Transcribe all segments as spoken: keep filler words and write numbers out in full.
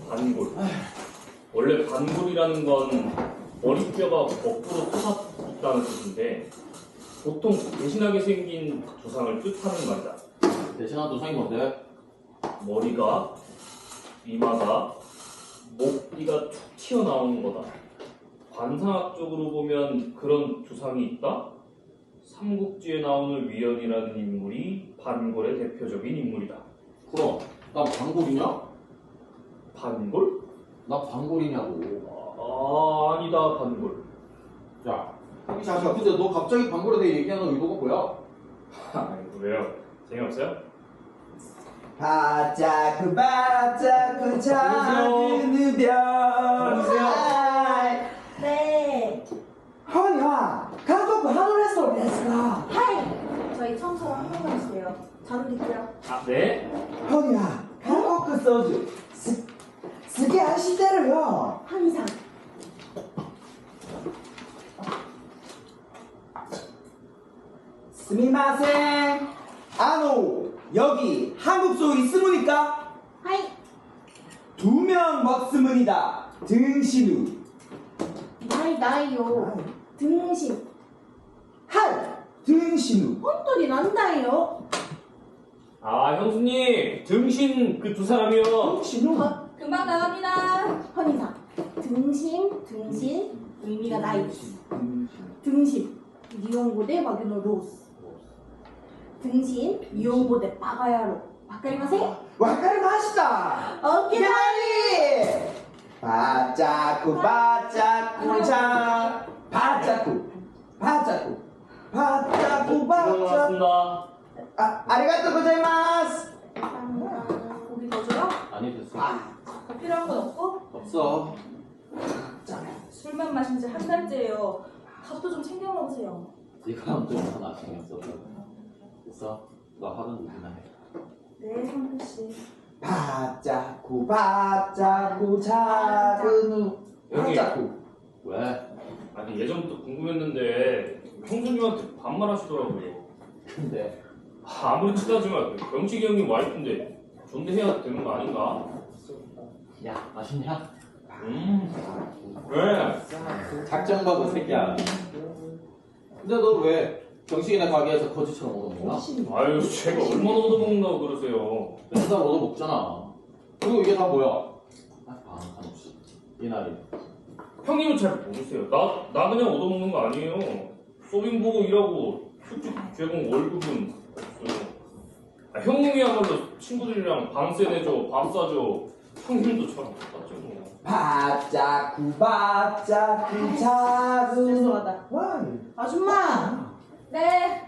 반골. 원래 반골이라는 건 머리뼈가 거꾸로 솟았다는 뜻인데 보통 대신하게 생긴 조상을 뜻하는 말이다. 대신한 조상이 뭔데? 머리가, 이마가, 목뒤가 툭 튀어나오는 거다. 관상학적으로 보면 그런 조상이 있다? 삼국지에 나오는 위연이라는 인물이 반골의 대표적인 인물이다. 그럼 나 반골이냐? 반골? 나 반골이냐고. 아, 아니다, 반골. 야, 자자. 근데 너 갑자기 반골에 대해 얘기하는 의도가 뭐야? 아이고, 왜요? 재미없어요? 바짝 바짝 작은 별. 안녕하세요. 네. 허니야, 가족 하늘에서 냈어. 하이. 저희 청소 한 번만 해주세요. 자료 드릴게요. 아, 네? 허니야, 한국 그 소주 스, 스게 아시대로요. 항상. 스미마셍. 아노, 여기 한국 소 있으무니까? 하이. 두 명 먹으문이다. 등신우. 나이 나이요. 등신. 할 등신우. 혼돈이 난다요. 아, 형수님, 등신 그 두 사람이요. 등신우. 어, 금방 나갑니다. 헌이상. 등심, 등신, 의미가 나이. 등심. 니온고대 와규노 로스. 등신, 니온고대 빠가야로. 바까리마세? 와카리 마시다. 오케이. 빨리. 바짜쿠 바짜쿠 자 바짜쿠 바짜쿠 바짜쿠 바짜. 들어갔습니다. 아, 아리가또 고자이마스. 감사합니다. 고기 더 줘요? 아니 됐어. 아, 더 필요한 건 없고? 없어. 술만 마신 지 한 달째예요. 밥도 좀 챙겨 먹으세요. 네가 아무튼 더 나중했어. 됐어. 나 하던 일이나 해. 네, 성근 씨. 바짜쿠 바짜쿠 작은 우 여기. 바짜쿠. 왜? 아니, 예전부터 궁금했는데 형수님한테 반말하시더라고요. 근데 아, 아무리 친하지만 병식이 형님 와이프인데 존대해야 되는 거 아닌가? 야 맛있냐? 음, 왜? 작정받은 새끼야. 근데 너 왜 정식이네 가게에서 거지처럼 얻어먹나? 아유, 제가 얼마나 얻어먹는다고 그러세요. 맨날 얻어먹잖아. 그리고 이게 다 뭐야? 아, 한없이 이날이. 형님은 잘 모르세요. 나, 나 그냥 얻어먹는 거 아니에요. 서빙 보고 일하고 숙직 제공 월급은 없어요. 아, 형님이야말로 친구들이랑 방세 내줘, 밥 사줘. 형님도 참 똑같죠 뭐. 바짜쿠 바짜쿠 작은 죄송하다. 와. 아줌마! 네.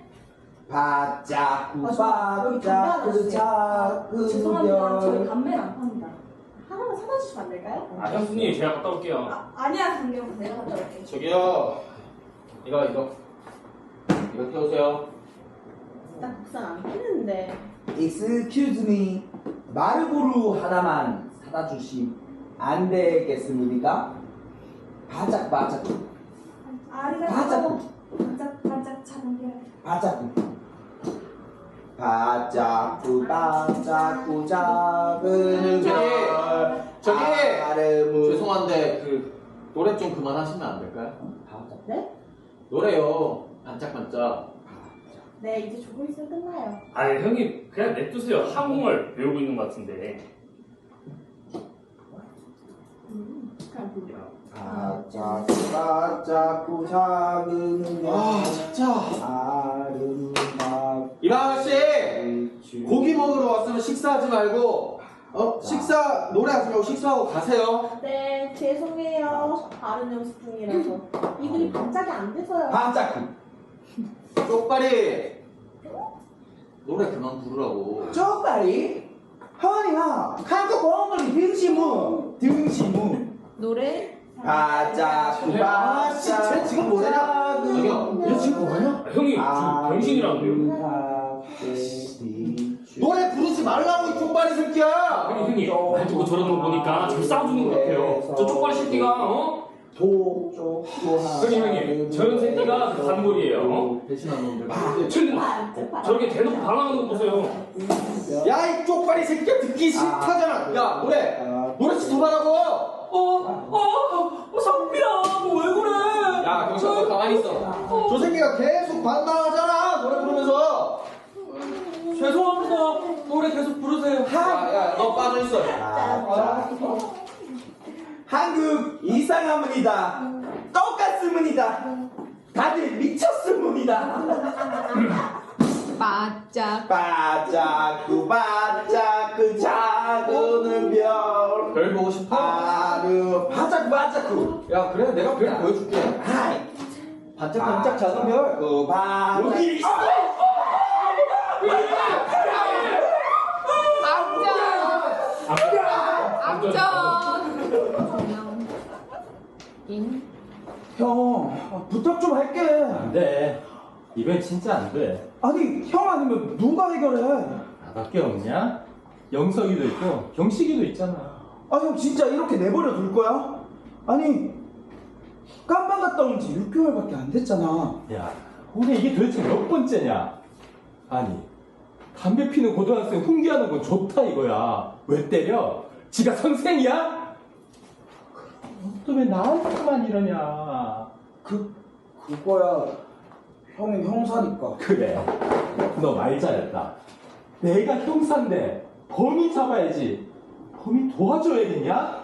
바짜쿠 아줌마, 여기 담배 하나 바짜쿠 주세요. 작은 죄송합니다. 저희 별. 담배는 안 팝니다. 하나만 사다 주시면 안 될까요? 아, 형수님, 제가 갔다 올게요. 아, 아니야, 강경. 내가 갔다 올게. 저기요. 이거 이거 이거 태우세요. 딱 국산 안 피는데. Excuse me. 마르보루 하나만 사다 주시면 안 되겠습니까? 바짝 바짝 아리가또. 바짝. 반짝, 반짝 작은 별. 바짝 바짝구 바짝구 작은 저기, 별. 저기! 아름은 죄송한데 그 노래 좀 그만하시면 안 될까요? 바짝 네? 노래요. 반짝반짝. 네, 이제 조금 있으면 끝나요. 아, 형님, 그냥 냅두세요. 한국말 배우고 있는 것 같은데. 음, 그냥 불려. 바짝구 바짝구 작은 별. 아 진짜. 아름다운 이방아 씨 고기 먹으러 왔으면 식사하지 말고 어 식사 노래하지 말고 식사하고 가세요. 네, 죄송해요. 다른 연습 중이라서. 이분이 반짝이 안 돼서요. 바짝구 쪽발이 노래 그만 부르라고. 쪽다리 허니야 한국 어머니 등시무 등시무 노래? 바짝구 아, 씨, 쟤 지금 뭐하냐? 저기요, 얘 지금 뭐하냐? 아, 형님, 지금 병신이라는데요. 노래 부르지 말라고 이 쪽발이 새끼야. 아니, 형님, 말 듣고 저러는 거 보니까 잘 싸워주는 것 같아요. 저 쪽발이 새끼가, 어? 도쪽도 형님, 형님, 저런 새끼가 그 단골이에요, 어? 배신한 놈들. 쟤는 반짝, 저렇게 대놓고 방황하는 거 보세요. 야 이 쪽발이 새끼야 듣기 싫다잖아. 야 노래 노래 좀 더 말아. 저 새끼가 계속 반항하잖아 노래 부르면서. 죄송합니다. 노래 계속 부르세요. 야야 너 빠져 있어. 아, 한국 이상하문이다. 똑같으문이다. 다들 미쳤으문이다. 바짝 반짝구 반짝구 작은 별. 별 보고 싶어? 아르 반짝 반짝구. 야 그래 내가 별 보여줄게. 아이 반짝반짝 작은 별. 그 반짝. 여기 있어. 악전 인 형 아, 부탁 좀 할게. 안돼. 이건 진짜 안돼. 아니 형 아니면 누가 해결해? 나밖에 없냐? 영석이도 있고 경식이도 있잖아. 아 형 진짜 이렇게 내버려 둘 거야? 아니 깜방 갔다 온 지 육 개월밖에 안 됐잖아. 야, 우리 이게 도대체 몇 번째냐? 아니, 담배 피는 고등학생 훈계하는 건 좋다 이거야. 왜 때려? 지가 선생이야? 또 왜 나한테만 이러냐? 그 그거야 형이 형사니까. 그래, 너 말 잘했다. 내가 형사인데 범인 잡아야지. 범인 도와줘야겠냐?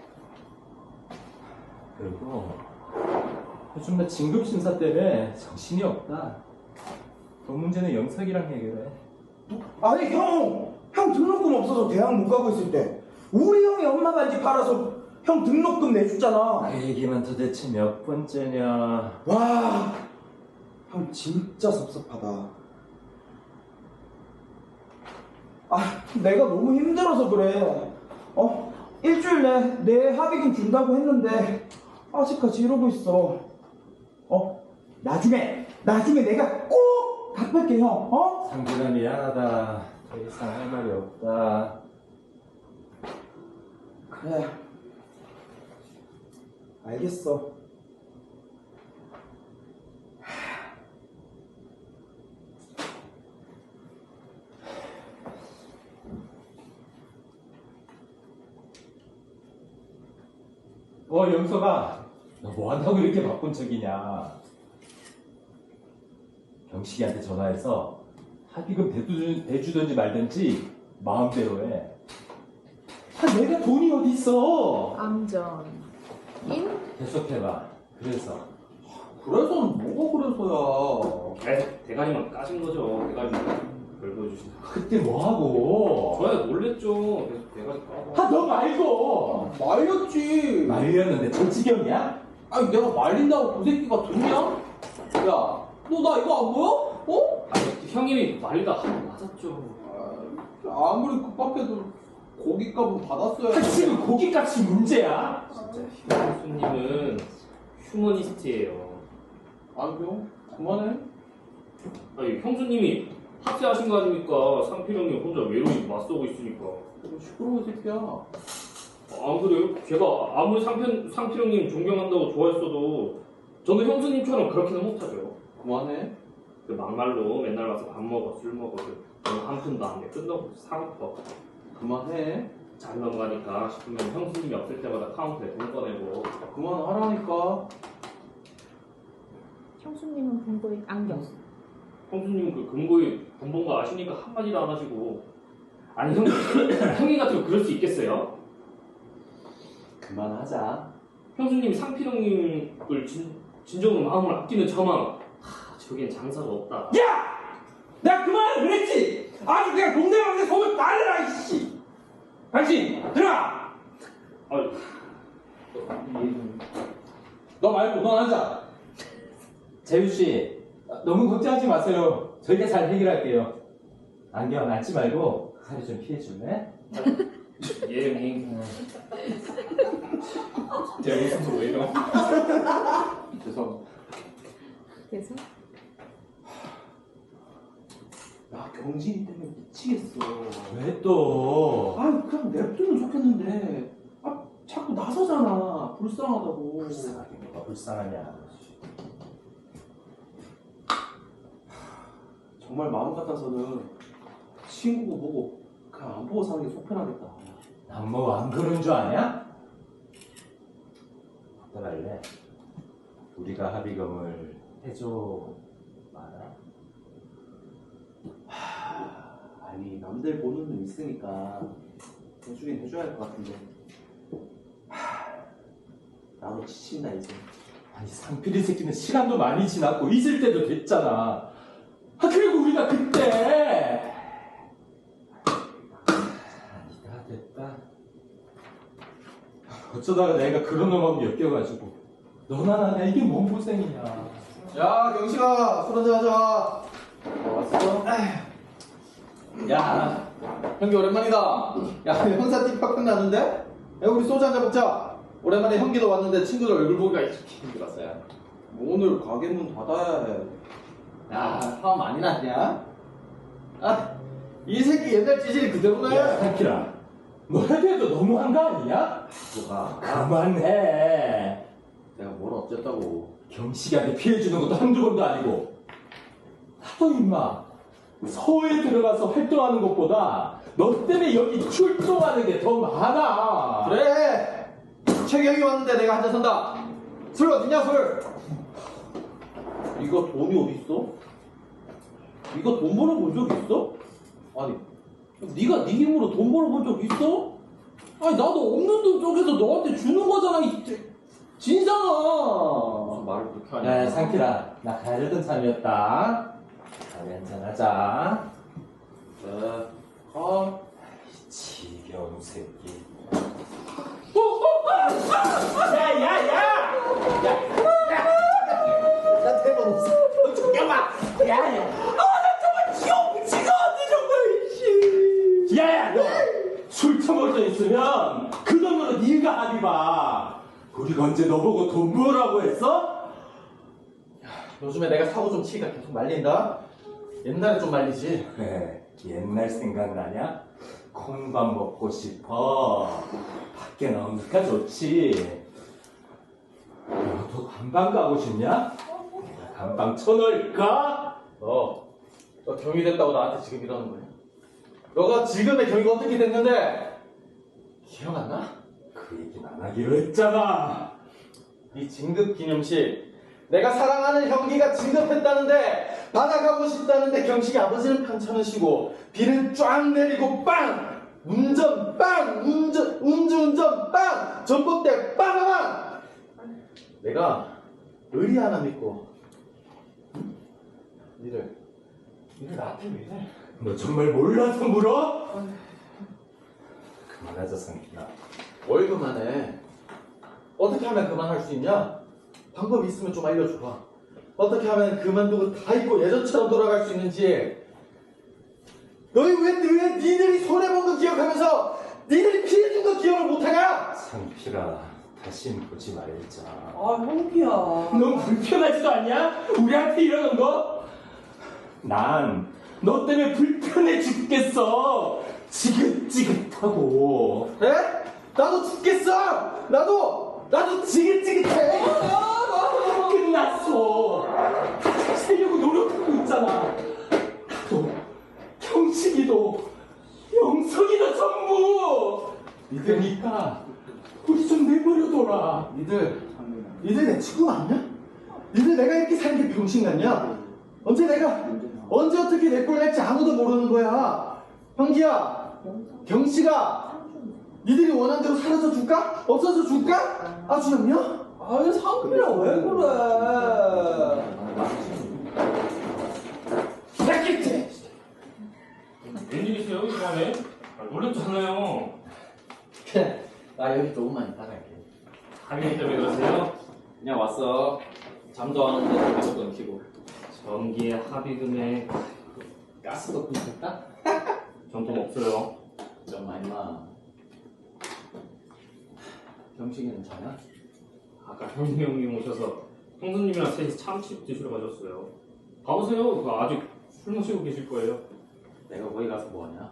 그리고 요즘 나 진급심사 때문에 정신이 없다. 그 문제는 영석이랑 해결해. 아니 형! 형 등록금 없어서 대학 못 가고 있을 때 우리 형이 엄마 반지 팔아서 형 등록금 내줬잖아. 그 얘기만 도대체 몇 번째냐? 와, 형 진짜 섭섭하다. 아, 내가 너무 힘들어서 그래. 어, 일주일 내 내 합의금 준다고 했는데 아직까지 이러고 있어. 어, 나중에 나중에 내가 꼭 갚을게 형. 어? 상준아 미안하다. 더 이상 할 말이 없다. 그래. 알겠어. 어, 영석아. 너 뭐한다고 이렇게 바쁜 척이냐? 경식이한테 전화해서 합의금 대주, 대주든지 말든지 마음대로 해. 아, 내가 돈이 어디 있어? 암전 인 계속해봐. 그래서 그래서는 뭐가 그래서야. 에 대가리만 까신 거죠. 대가리만 별 보여주신다. 그때 뭐하고? 저야 놀랬죠. 계속 대가리 까고. 아, 너 말고! 말렸지. 말렸는데 저 지경이야? 아니 내가 말린다고 그 새끼가 듣냐? 야, 너 나 이거 안 보여? 어? 아니 형님이 말리다 한 맞았죠. 아, 아무리 급박해도 고깃값은 받았어야 아, 지금 고기값이 문제야? 진짜 형수님은 휴머니스트예요. 안 형, 그만해. 아니 형수님이 학세하신 거 아닙니까? 상필 형님 혼자 외로이 맞서고 있으니까. 시끄러워 이 새끼야. 안 그래요? 제가 아무리 상필, 상필 형님 존경한다고 좋아했어도 저는 형수님처럼 그렇게는 못하죠. 그만해. 그 막말로 맨날 와서 밥 먹어, 술 먹어. 저는 한 푼도 안 내. 끝나고 사고퍼. 그만해. 잘 넘어가니까 싶으면 형수님이 없을 때마다 카운터에 돈 꺼내고. 그만하라니까. 형수님은 본거에 안경 형수님은 그 금고에 돈 번 거 아시니까 한마디도 안 하시고. 아니 형, 형님 같으면 그럴 수 있겠어요? 그만하자. 형수님이 상필 형님을 진, 진정으로 마음을 아끼는 저만 하, 저기엔 장사가 없다. 야! 내가 그만하라 그랬지. 아주 그냥 동네방네 속을 날려라 이씨. 당신 들어가. 아, 너 말고 넌 앉아. 재유씨, 너무 걱정하지 마세요. 저희가 잘 해결할게요. 안경 앉지 말고 살이 좀 피해줄래? 예 형님. 제가 무슨 왜 이러? 죄송. 그래서 나 경진이 때문에 미치겠어. 왜 또? 아 그냥 냅두면 좋겠는데 아 자꾸 나서잖아. 불쌍하다고. 불쌍하게 뭐가 불쌍하냐. 정말 마음 같아서는 친구고 보고 그냥 안 보고 사는 게 속 편하겠다. 난 뭐 안 그런 줄 아냐? 어떡할래? 우리가 합의금을 해줘 마라. 아니 남들 보는 눈 있으니까 해주긴 해줘야 할 것 같은데. 하, 나도 지친다 이제. 아니 상필이 새끼는 시간도 많이 지났고 잊을 때도 됐잖아. 아 그리고 우리가 그때 아니다 됐다. 어쩌다가 내가 그런 놈하고 엮여가지고 너나 나나 이게 뭔 고생이냐. 야 경식아 술 한잔 하자. 왔어? 야 형기 오랜만이다. 야 형사 띠팍팍 나는데? 야 우리 소주 한잔 먹자. 오랜만에 형기도 왔는데 친구들 얼굴 보기가 이렇게 힘들었어. 야 오늘 가게 문 닫아야 해. 야 화 많이 났냐? 아 이 새끼 옛날 찌질이 그대로네. 야 상필아 너 해도 해도 너무한 거 아니냐? 뭐가? 그만해. 내가 뭘 어쨌다고. 경식이한테 피해주는 것도 한두 번도 아니고 나도 임마 서울에 들어가서 활동하는 것보다 너 때문에 여기 출동하는 게 더 많아. 그래 최경이 왔는데 내가 한잔 산다. 술 어딨냐 술. 이거 돈이 어딨어? 이거 돈 벌어본 적 있어? 아니 네가 네 힘으로 돈 벌어본 적 있어? 아니 나도 없는 돈 쪼개서 너한테 주는 거잖아 이 진상아. 무슨 말을 그렇게 하냐. 야 상필아 나 가려던 참이었다. 다음에 한잔하자. 네. 아 지겨운 새끼. 야야야! 나 대본 없어. 잠깐만. 야야. 야야 너 술 처먹어 있으면 그 돈으로 네가 합의 봐. 우리가 언제 너보고 돈 벌라고 했어? 요즘에 내가 사고 좀 치니까 계속 말린다. 옛날에 좀 말리지. 그래 옛날 생각나냐? 콩밥 먹고 싶어. 밖에 나오니까 좋지. 너도 감방 가고 싶냐? 내가 감방 쳐놓을까? 너, 너 경위 됐다고 나한테 지금 이러는 거야? 너가 지금의 경위가 어떻게 됐는데 기억 안 나? 그 얘기는 안 하기로 했잖아. 이 진급 기념식 내가 사랑하는 형기가 진급했다는데 받아가고 싶다는데 경식이 아버지는 편찮으시고 비는 쫙 내리고 빵! 운전 빵! 운전 운전운전 빵! 전봇대 빵빵빵! 내가 의리 하나 믿고 응? 니들 니들 나한테 왜 이래? 너 정말 몰라서 물어? 그만하자 상기야. 뭘 그만해? 어떻게 하면 그만할 수 있냐? 방법이 있으면 좀 알려줘봐. 어떻게 하면 그만두고 다 잊고 예전처럼 돌아갈 수 있는지. 너희 왜, 왜 니들이 손해본 거 기억하면서 니들이 피해준 거 기억을 못하냐? 상필아 다신 보지 말자. 아 형기야. 넌 불편하지도 않냐? 우리한테 이러는 거? 난 너 때문에 불편해 죽겠어. 지긋지긋하고. 그래? 나도 죽겠어! 나도! 나도 지긋지긋해! 끝났어. 다시 살려고 노력하고 있잖아. 나도 경식이도 영석이도 전부. 그러니까 우리 좀 내버려둬라. 니들, 니들 내 친구 맞냐? 니들 내가 이렇게 사는 게 병신 같냐? 언제 내가, 언제 어떻게 내 꼴 낼지 아무도 모르는 거야. 형기야, 경씨가, 니들이 원하는 대로 사라져 줄까? 없어져 줄까? 아주 형이야? 아니 상필아 왜 그래? 새끼들! 웬일 있어요 이번에? 아, 놀랬잖아요. 그래, 나 여기 조금만 이따 갈게. 하민이 때문에 그러세요? 그냥 왔어. 잠도 안 오는데 계속 끊기고. 전기의 합의금에 가스도 끊겼다? 전통 없어요. 정말 임마. 경식이는 자냐? 아까 형님 형님 오셔서 형수님이랑 셋이 참치 드시러 가셨어요. 가보세요. 그거 아직 술 마시고 계실 거예요. 내가 거기 가서 뭐하냐?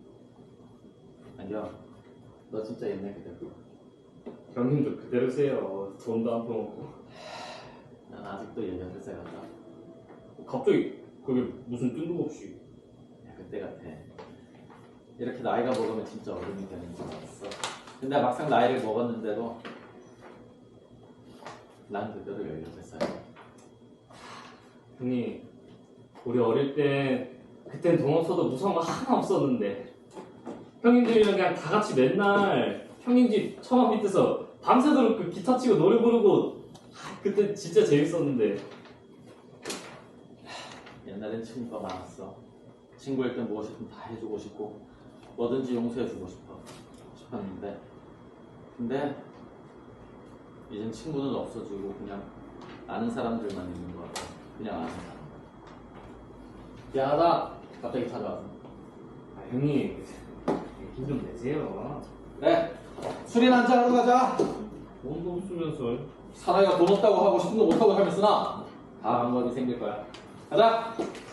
아니야. 너 진짜 옛날 그대로. 형님도 그대로세요. 돈도 안 퍼먹고. 난 아직도 열여덟 살 같다. 갑자기 그게 무슨 뜬금없이. 야, 그때 같아. 이렇게 나이가 먹으면 진짜 어른이 되는 줄 알았어. 근데 막상 나이를 먹었는데도 난 그대로 열여덟 살이야. 형님, 우리 어릴 때 그땐 돈 없어도 무서운 거 하나 없었는데 형님들이랑 그냥 다 같이 맨날 형님 집 처마 밑에서 밤새도록 그 기타 치고 노래 부르고 그때 진짜 재밌었는데. 옛날엔 친구가 많았어. 친구일 땐 무엇이든 다 해주고 싶고 뭐든지 용서해주고 싶어 싶었는데 근데 이젠 친구는 없어지고 그냥 아는 사람들만 있는 것 같아. 그냥 아는 사람. 미안하다. 갑자기 찾아와서. 아, 형님 힘 좀 내세요. 그래. 술이나 한잔 하러 가자. 돈도 없으면서. 사나이가 돈 없다고 하고 싶은 거 못하고 살면 쓰나 다 방법이 생길 거야. 가자.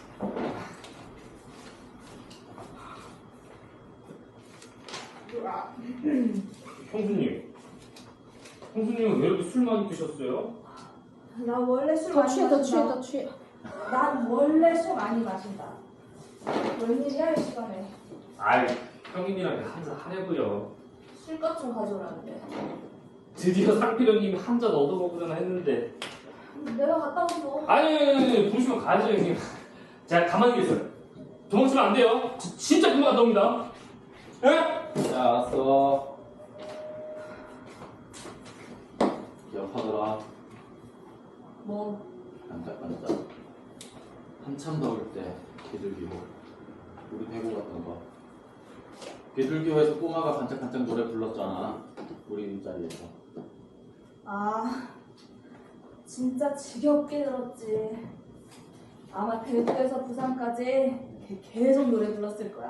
형수님, 형수님은 왜 이렇게 술 많이 드셨어요? 나 원래 술 더 많이 취해, 더 취해, 마신다. 더 취해. 난 원래 술 많이 마신다. 웬일이야 이 시간에. 아이, 형님이랑 한잔 하려고요. 술값 좀 가져오라는데. 드디어 상필형님이 한 잔 얻어먹으려나 했는데. 내가 갔다 오고. 아니, 아니, 아니, 보시면 가야죠, 형님. 자, 가만히 계세요. 도망치면 안 돼요. 지- 진짜 금방 갔다 옵니다. 예? 자, 알았어. 기억하더라. 뭐 반짝반짝. 한참 더울 때 비둘기호. 우리 대구 갔던 거. 비둘기호에서 꼬마가 반짝반짝 노래 불렀잖아. 우리 윗자리에서. 아, 진짜 지겹게 들었지. 아마 대구에서 부산까지 걔 계속 노래 불렀을 거야.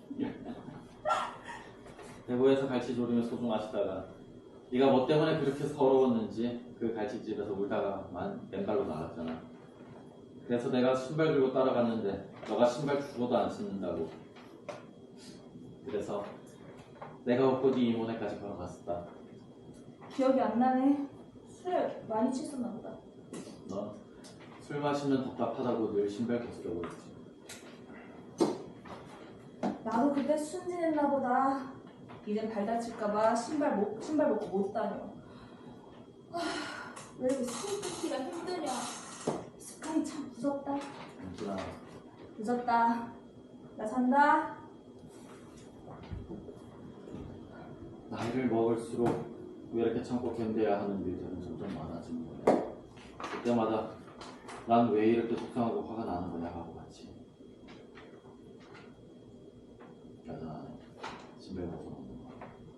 대구에서 갈치 조림을 소중하시다가 네가 뭐 때문에 그렇게 서러웠는지 그 갈치집에서 울다가 만 맨발로 나갔잖아. 그래서 내가 신발 들고 따라갔는데 너가 신발 주고도 안 신는다고. 그래서 내가 없고 네 이모네까지 걸어갔었다. 기억이 안 나네. 술 많이 취했었나 보다. 너 술 마시면 답답하다고 늘 신발 벗으려고 했지. 나도 그때 순진했나 보다. 이젠 발 다칠까봐 신발 못 신발 벗고 못 다녀. 아, 왜 이렇게 술 끊기가 힘드냐. 습관이 참 무섭다. 은진아, 늦었다. 나 산다. 나이를 먹을수록 왜 이렇게 참고 견뎌야 하는 일들은 점점 많아지는 거야. 그때마다 난 왜 이렇게 속상하고 화가 나는 거냐 하고 봤지. 여전하네. 신발 벗어놓는 거.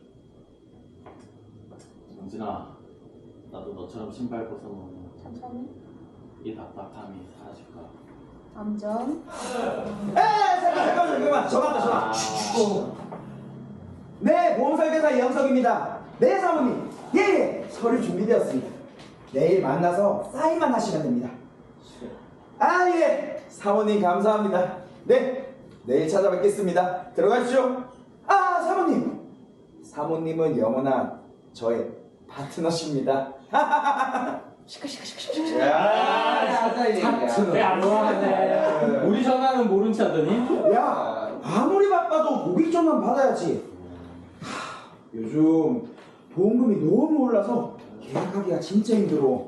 정진아, 나도 너처럼 신발 벗어놓으면 천천히. 이 답답함이 사라질까. 암전. 에 잠깐 잠깐 잠깐만 전화다 전화. 어. 네 보험설계사 이영석입니다. 네 사모님 예예 서류 준비되었습니다. 내일 만나서 사인만 하시면 됩니다. 아 예 사모님 감사합니다. 네 내일 찾아뵙겠습니다. 들어가십시오. 아 사모님 사모님은 영원한 저의 파트너십니다. 시끄시끄시끄. 야 네, 안 좋아하네. 우리 전화는 모른 체하더니 야, 아무리 바빠도 고객전화는 받아야지. 하, 요즘 보험금이 너무 올라서 계약하기가 진짜 힘들어.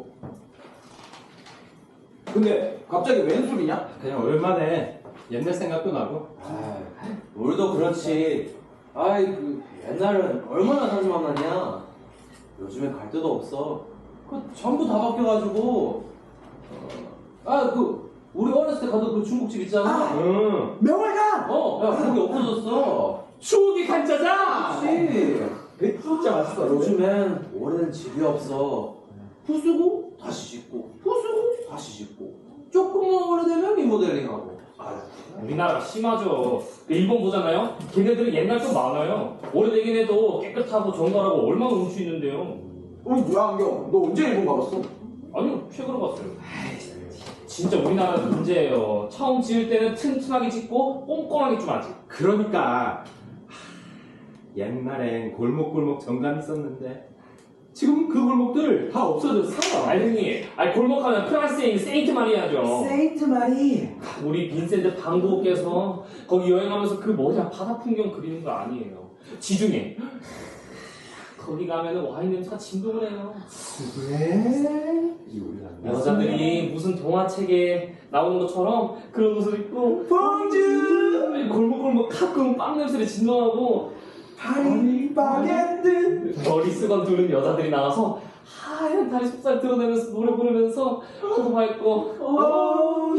근데 갑자기 웬 소리냐? 그냥 오랜만에 옛날 생각도 나고. 아, 우리도 그렇지. 아이, 그 옛날은 얼마나 자주 만났냐. 요즘엔 갈 데도 없어. 그 전부 다 바뀌어가지고. 어, 아, 그 우리 어렸을 때 가던 그 중국집 있잖아. 응. 명월간! 어, 야, 거기 없어졌어. 추억이 간짜장. 그렇지. 그 진짜 맛있어. 요즘엔 오래된 집이 없어. 부수고 다시 짓고, 부수고 다시 짓고. 조금만 오래되면 리모델링하고. 아유. 우리나라가 심하죠. 그 일본 보잖아요. 걔네들은 옛날 좀 많아요. 오래되긴 해도 깨끗하고 정갈하고 얼마나 운치 있는데요. 어 뭐야 안경? 너 언제 일본 가봤어? 아니요, 최근에 봤어요. 진짜 우리나라는 문제예요. 처음 지을 때는 튼튼하게 짓고 꼼꼼하게 좀 하지. 그러니까 하, 옛날엔 골목골목 정감 있었는데 지금 그 골목들 다 없어졌어. 아니 형님, 아니 골목하면 프랑스에 있는 세인트 마리아죠. 세인트 마리. 우리 빈센트 방고께서 거기 여행하면서 그 뭐냐 바다 풍경 그리는 거 아니에요. 지중해 거기 가면은 와인 냄새가 진동을 해요. 왜? 여자들이 무슨 동화책에 나오는 것처럼 그런 옷을 입고 봉주 골목골목 가끔 빵 냄새를 진동하고 파리 바게트 머리수건 두른 여자들이 나와서 하얀 다리 속살 드러내면서 노래 부르면서 포도 밟고 오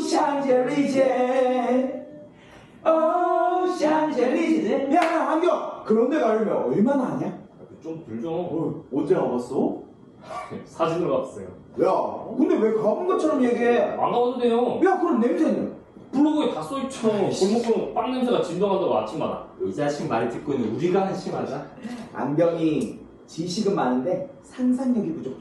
샹젤리제 오 샹젤리제 야 안경 그런 데 가려면 얼마나 하냐? 좀 불죠. 어, 언제 가봤어? 사진으로 갔어요. 야 근데 왜 가본 것처럼 얘기해? 안 가봐도 돼요. 야 그럼 냄새는? 블로그에 다 써있죠. 골목골목 빵 냄새가 진동한다고 아침마다. 이 자식 말 듣고는 우리가 한심하다. 안경이 지식은 많은데 상상력이 부족해.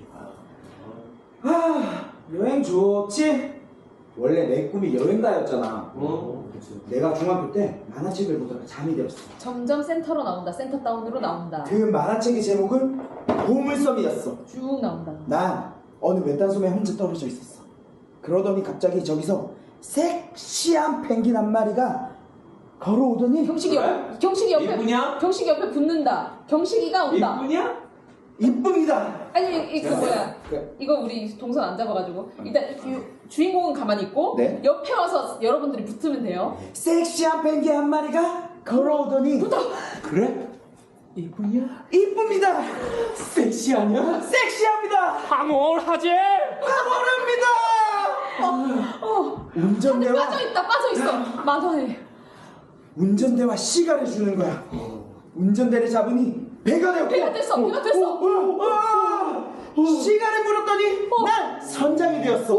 아 여행 좋지? 원래 내 꿈이 여행가였잖아. 어? 내가 중학교 때 만화책을 보다가 잠이 들었어. 점점 센터로 나온다. 센터 다운으로 나온다. 그 만화책의 제목은 보물섬이었어. 쭉 나온다. 난 어느 외딴 섬에 혼자 떨어져 있었어. 그러더니 갑자기 저기서 섹시한 펭귄 한 마리가 걸어오더니 경식이 옆, 경식이 옆에 이쁘냐? 경식이 옆에 붙는다. 경식이가 온다. 이쁘냐? 이쁩니다. 아니 이거 뭐야? 그, 이거 우리 동선 안 잡아가지고 일단 이 주인공은 가만히 있고 네. 옆에 와서 여러분들이 붙으면 돼요. 섹시한 펭귄 한 마리가 걸어오더니 그래? 이쁘냐? 이쁩니다. 섹시하냐? 섹시합니다. 황홀하지? 가버립니다. 어, 운전대와 빠져 있다, 빠져 있어. 만화에. 운전대와 시간을 주는 거야. 운전대를 잡으니 배가 되었고 배가 됐어, 배가 됐어. 어, 어, 어, 어. 시간을 물었더니 난 선장이 되었어.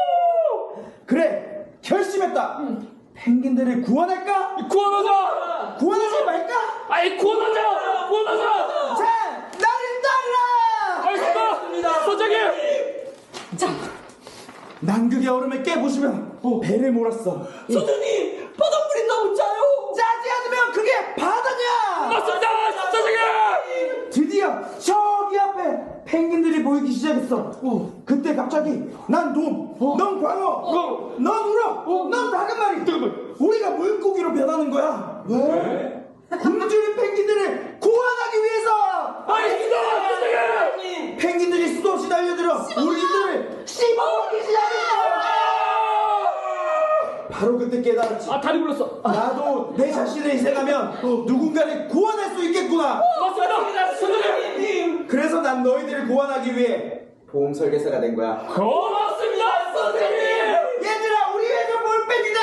그래 결심했다. 펭귄들을 구원할까? 구원하자! 구원하지 말까? 아이 구원하자! 구원하자! 자 나를 따르라. 알겠습니다! 소장님! 자, 남극의 얼음을 깨부수면 배를 몰았어. 소장님! 바닷물이 너무 짜요! 짜지 않으면 그게 바다냐? 맞습니다! 소장님! 드디어 저기 앞에 펭귄들이 보이기 시작했어. 그때 갑자기 난 돔, 넌 광어, 넌 우럭, 넌 다금마리. 우리가 물고기로 변하는 거야. 왜? 굶주린 펭귄들을 구원하기 위해서. 알겠습니다! 소장님! 펭귄들이 수도 없이 달려들어 우리들을 씹어먹기 시작했어. 바로 그때 깨달았지. 아 다리 불렀어. 나도 내 자신을 희생하면 누군가를 구원할 수 있겠구나. 맞습니다! 소장님! 그래서 난 너희들을 구원하기 위해 보험 설계사가 된 거야. 고맙습니다! 소장님! 얘들아, 우리 애들 볼펜이다.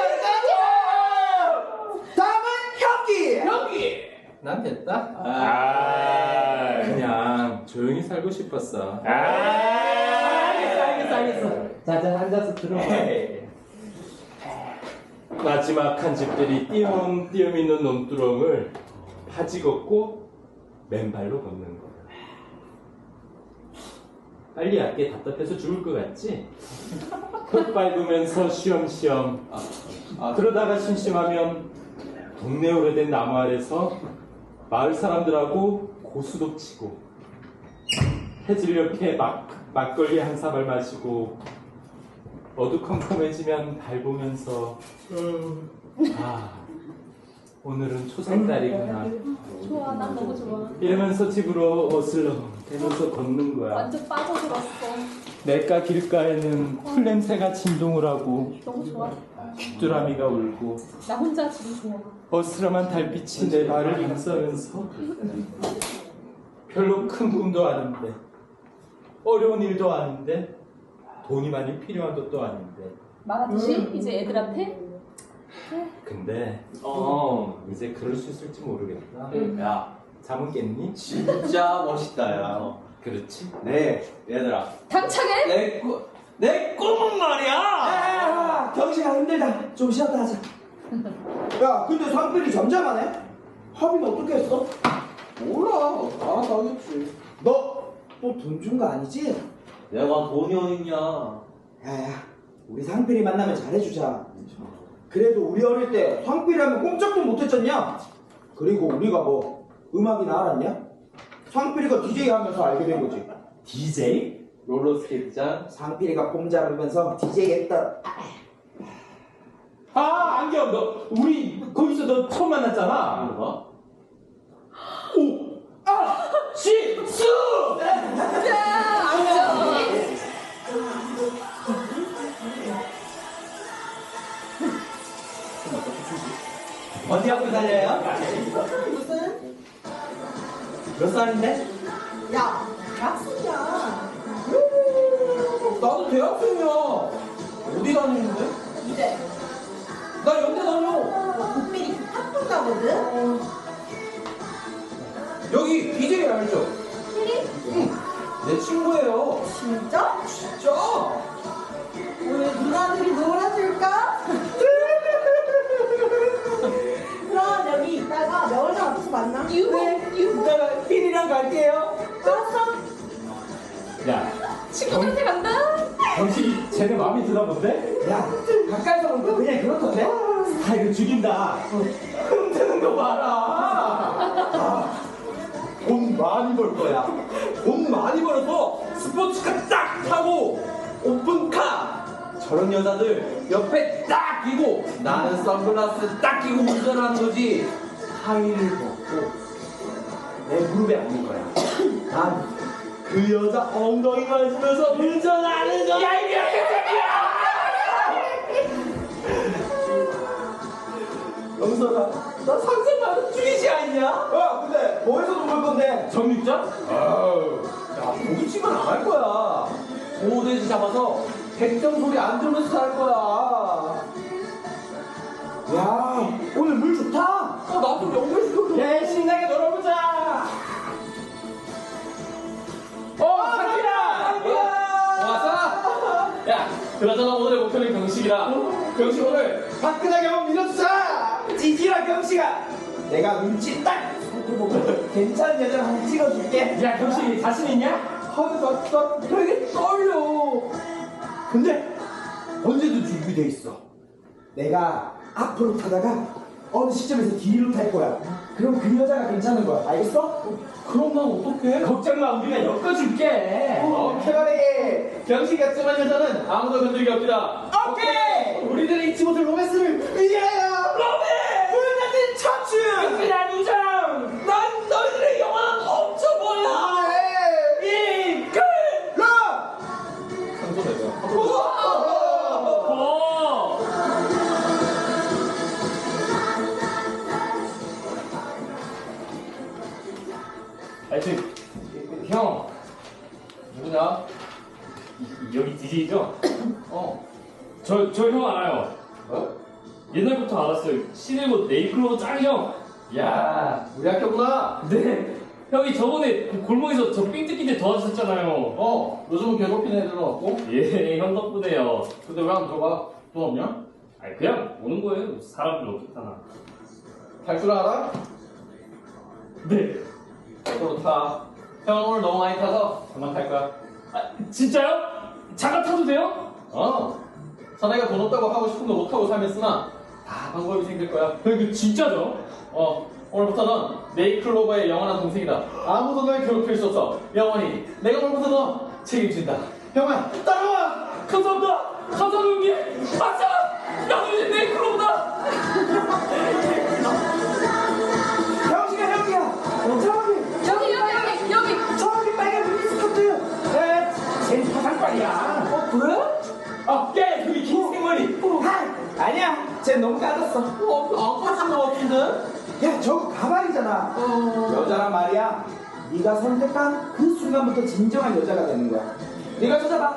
다음은 현기. 여기! 난 됐다. 아, 그냥 조용히 살고 싶었어. 아, 알겠어, 알겠어, 알겠어. 자, 자, 앉아서 들어봐. 마지막 한 집들이 띄엄띄엄 있는 논두렁을 바지 걷고 맨발로 걷는 거야. 빨리 얕게 답답해서 죽을 것 같지? 흙 밟으면서 쉬엄쉬엄. 아, 그러다가 심심하면 동네 오래된 나무 아래서 마을 사람들하고 고수도 치고 해질녘에 막, 막걸리 한 사발 마시고 어두컴컴해지면 달 보면서 아 오늘은 초생달이구나 좋아, 난 너무 좋아. 이러면서 집으로 어슬렁 대면서 걷는 거야. 완전 빠져들었어. 냇가 길가에는 풀냄새가 진동을 하고 너무 좋아. 귀뚜라미가 울고 나 혼자 지금 좋아. 어스름한 달빛이 내 발을 감싸면서 별로 큰 꿈도 아닌데 어려운 일도 아닌데 돈이 많이 필요한 것도 아닌데 말하듯이 이제 애들한테 근데 어 이제 그럴 수 있을지 모르겠다. 야, 잠은 깼니? 진짜 멋있다, 야. 그렇지. 네, 얘들아. 당차게 내 꿈, 내 꿈은 말이야! 아, 경식아 힘들다. 좀 쉬었다 하자. 야, 근데 상필이 잠잠하네? 합의는 어떻게 했어? 몰라. 알아서 하겠지. 너 또 돈 준 거 아니지? 내가 돈이 어딨냐. 야야, 우리 상필이 만나면 잘해주자. 그래도 우리 어릴 때 상필이 하면 꼼짝도 못했잖냐? 그리고 우리가 뭐 음악이나 알았냐? 상필이가 디제이 하면서 알게 된 거지. 디제이? 롤러스케이트장. 상필이가 폼 잡으면서 디제이 했다. 아 안경 너 우리 거기서 너 처음 만났잖아. 뭐가? 오! 아! 씨! 살려요? 무슨? 몇 살인데? 야, 대학생이야. 나도 대학생이야. 어디 다니는데? 이제 나 연대 다녀. 국민이 학군 가거든. 여기 비제이 알죠? 필이? 내 친구예요. 진짜? 진짜? 오늘 누나들이 놀아줄까? 그럼 여기 있다가 명월장 앞에서 만나. 유후. 유후. 이따가 필이랑 갈게요. 알았어. 야, 친구들한테 간다. 경식이 쟤네 마음에 드나 본데? 야, 가까이서 보는 거 그냥 그렇던데? 스타일을 죽인다. 흔드는 거 봐라. 아, 돈 많이 벌 거야. 돈 많이 벌어서 스포츠카 딱 타고 오픈카. 저런 여자들 옆에 딱 끼고 나는 선글라스 딱 끼고 운전하는 거지. 하이를 벗고 내 무릎에 앉는 거야. 난 그 여자 엉덩이 만지면서 운전하는 거야. 야, 이게 영선아, 나 상상만은 죽이지 않냐? 야, 근데 뭐해서 돈 벌 건데? 정육점? 아우, 야, 고깃집은 안 할 거야. 소돼지 잡아서 백점 소리 안 들으면서 살 거야. 야, 오늘 물 좋다. 어, 나도 연결시켜줘. 야, 신나게 놀아보자. 어, 상기라! 왔어? 야, 그나저나 오늘의 목표는 경식이라. 경식 오늘 화끈하게 한번 밀어주자. 찌질아 경씨가 내가 눈치 딱 보고 괜찮은 여자를 한번 찍어줄게. 야, 경식이 자신 있냐? 아, 나, 나 되게 떨려. 근데 언제든 준비돼 있어. 내가 앞으로 타다가 어느 시점에서 뒤로 탈 거야. 그럼 그 여자가 괜찮은 거야. 알겠어? 그럼 난 어떡해? 걱정 마, 우리가 엮어줄게. 오케이, 말해. 경식 같지만 여자는 아무도 건들기 없다. 오케이! 우리들의 잊지 못할 로맨스를 위하여. 불같은 청춘! 그냥 우정! 난 너희들의 영원한 멈춰버려! 이끌! 러! 상조 내가. 어! 아니, 저, 형, 누구냐? 이- 여기 디제이죠? 어. 저, 저 형 알아요. 어? 옛날부터 알았어요. 시네모 네이클로버 짱형. 야, 우리 학교구나. 네. 형이 저번에 그 골목에서 저 삥 뜯기 때 도와주셨잖아요. 어, 요즘은 괴롭히는 애들은 없고. 예, 형 덕분에요. 근데 왜 안 들어가? 돈 없냐? 아니, 그냥 오는 거예요. 사람들 어떻다나. 탈 줄 알아? 네. 저도 타. 형은 오늘 너무 많이 타서 그만 탈 거야. 아, 진짜요? 잠깐 타도 돼요? 어. 자네가 돈 없다고 하고 싶은 거 못하고 살면서나 다 방법이 생길 거야. 형, 이거 진짜죠? 어. 오늘부터는 네이클로버의 영원한 동생이다. 아무도 널 괴롭힐 수 없어. 영원히. 내가 오늘부터 너 책임진다. 형아, 따라와! 감사합니다. 감사합니다, 형님. 아싸! 나도 이제 네이클로버다. 경씨가 형이야. 저기, 여기 여기 여기 여기. 저기 빨간 미니스커트. 에, 쟤 사상빨이야. 어, 그래? 아, 야, 여기 긴 생머리! 아, 아니야. 쟤 너무 까졌어. 어, 안 까진 것 같은데? 야, 저거 가발이잖아. 여자란 말이야. 네가 선택한 그 순간부터 진정한 여자가 되는 거야. 네가 찾아봐.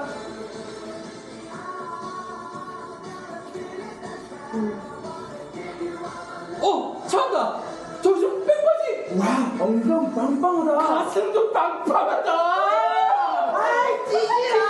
어, 찾았다! 저기 저 백바지! 와, 엉덩이 빵빵하다. 가슴도 빵빵하다! 아이, 찌질아.